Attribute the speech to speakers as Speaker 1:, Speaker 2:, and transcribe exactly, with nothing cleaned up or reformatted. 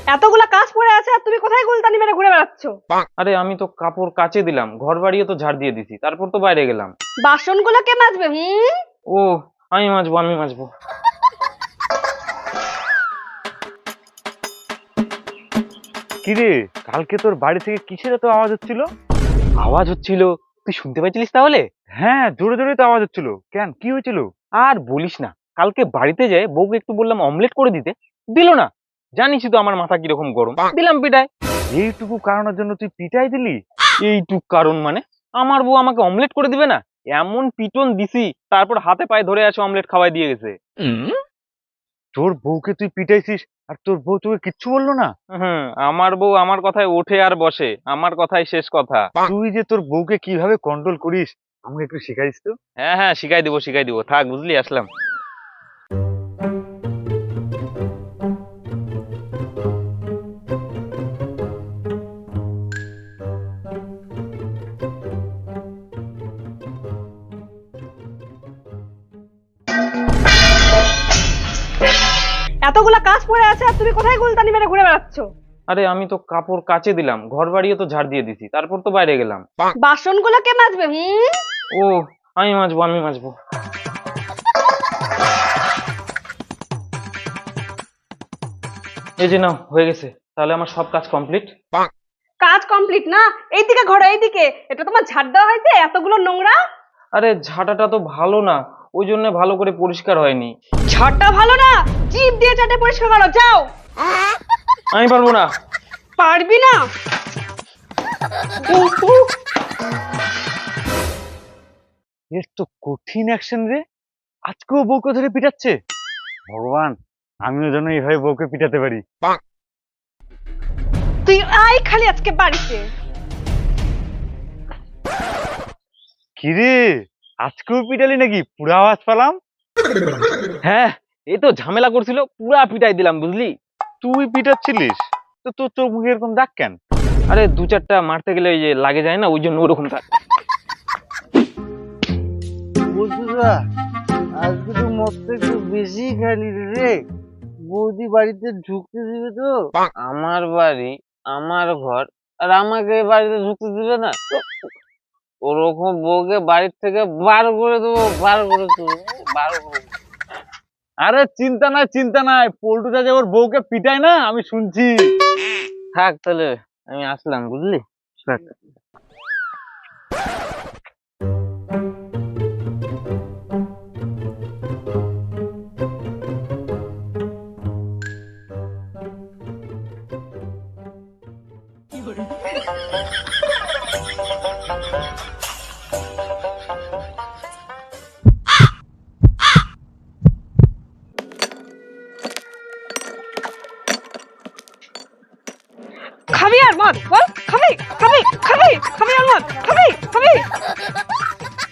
Speaker 1: এতগুলা কাজ পড়ে আছে আর তুমি কোথায় গুলতানি মেরে ঘুরে বেড়াচ্ছ?
Speaker 2: আরে আমি তো কাপড় কাচে দিলাম, ঘর বাড়িও তো ঝাড় দিয়ে দিছি, তারপর তো বাইরে গেলাম।
Speaker 1: বাসনগুলো কে মাজবে? হুম।
Speaker 2: ও, আমি মাজবো আমি মাজবো।
Speaker 3: কিরে, কালকে তোর বাড়ি থেকে কিসের এত আওয়াজ হচ্ছিল?
Speaker 2: আওয়াজ হচ্ছিল? তুই শুনতে পাইছিলিস তাহলে?
Speaker 3: হ্যাঁ, জোরে জোরে তো আওয়াজ হচ্ছিল। কেন, কি হয়েছিল?
Speaker 2: আর বলিস না, কালকে বাড়িতে যাই বউকে একটু বললাম অমলেট করে দিতে, দিল না। জানিসই তো আমার মাথা কিরকম গরম, দিলাম পিটায়।
Speaker 3: এইটুকু কারণের জন্য তুই পিটাই দিলি?
Speaker 2: এইটুক কারণ মানে? আমার বউ আমাকে অমলেট করে দিবে না? এমন পিটন দিছি, তারপর হাতে পায়ে ধরে আসে অমলেট খাওয়াই দিয়ে গেছে।
Speaker 3: তোর বউকে তুই পিটাইছিস আর তোর বউ তোকে কিচ্ছু বললো না?
Speaker 2: হুম, আমার বউ আমার কথায় ওঠে আর বসে, আমার কথাই শেষ কথা।
Speaker 3: তুই যে তোর বউকে কিভাবে কন্ট্রোল করিস আমাকে একটু শিখাইস তো।
Speaker 2: হ্যাঁ হ্যাঁ, শিখাই দিব শিখাই দিব, থাক বুঝলি, আসলাম।
Speaker 1: এতগুলা কাজ পড়ে আছে আর তুমি কোথায় গুলতানি মেরে ঘুরে বেড়াচ্ছ?
Speaker 2: আরে আমি তো কাপড় কাচে দিলাম, ঘর বাড়িও তো ঝাড় দিয়ে দিছি, তারপর তো বাইরে গেলাম।
Speaker 1: বাসনগুলো কে মাজবে? হুম।
Speaker 2: ও, আমি মাজবো আমি মাজবো। এই যে নাও, হয়ে গেছে। তাহলে আমার সব কাজ কমপ্লিট।
Speaker 1: কাজ কমপ্লিট না? এইদিকে ঘরে, এইদিকে। এটা তোমার ঝাড় দেওয়া হয়েছে? এতগুলো নোংরা।
Speaker 2: আরে ঝাঁটাটা তো ভালো না, ওই জন্য ভালো করে পরিষ্কার হয়নি।
Speaker 1: ঝাড়টা ভালো না? জিভ দিয়ে চাটে পরিষ্কার করো, যাও।
Speaker 2: আমি পারবো না।
Speaker 1: পারবি না?
Speaker 3: এর তো কঠিন অ্যাকশন রে। আজকেও বউকে ধরে পিটাচ্ছে। ভগবান, আমিও যেন এইভাবে বউকে পিটাতে পারি।
Speaker 1: তুই আয় খালি আজকে বাড়িতে।
Speaker 3: কিরে, আজকেও পিটালি নাকি? পুরো আওয়াজ পেলাম।
Speaker 2: হ্যাঁ, এই তো ঝামেলা করছিল, পুরা পিটাই দিলাম বুঝলি।
Speaker 3: তুই পিটাচ্ছিলিস? তো তোর চোখ মুখে এরকম দাগ কেন?
Speaker 2: আরে দু চারটা মারতে গেলে ওই যে লাগে যায় না, ওই জন্য ওরকম থাকে।
Speaker 4: বন্ধুরা, আজকে তো মদটা একটু বেশি খালি রে। বৌদি বাড়িতে ঢুকতে দিবে তো? আমার বাড়ি, আমার ঘর, আর আমাকে এই বাড়িতে ঢুকতে দিবে না? ওরকম বউকে বাড়ির থেকে বার করে দেবো, বার করে দেবো, বার করে দেবো।
Speaker 3: আরে চিন্তা নাই চিন্তা নাই, পল্টুটা যে ওর বউকে পিটায় না, আমি শুনছি।
Speaker 4: থাক তাহলে, আমি আসলাম, বুঝলি? থাক।
Speaker 1: খাবি আর মদ? বল, খাবি খাবি খাবি খাবি আর মদ? খাবি খাবি?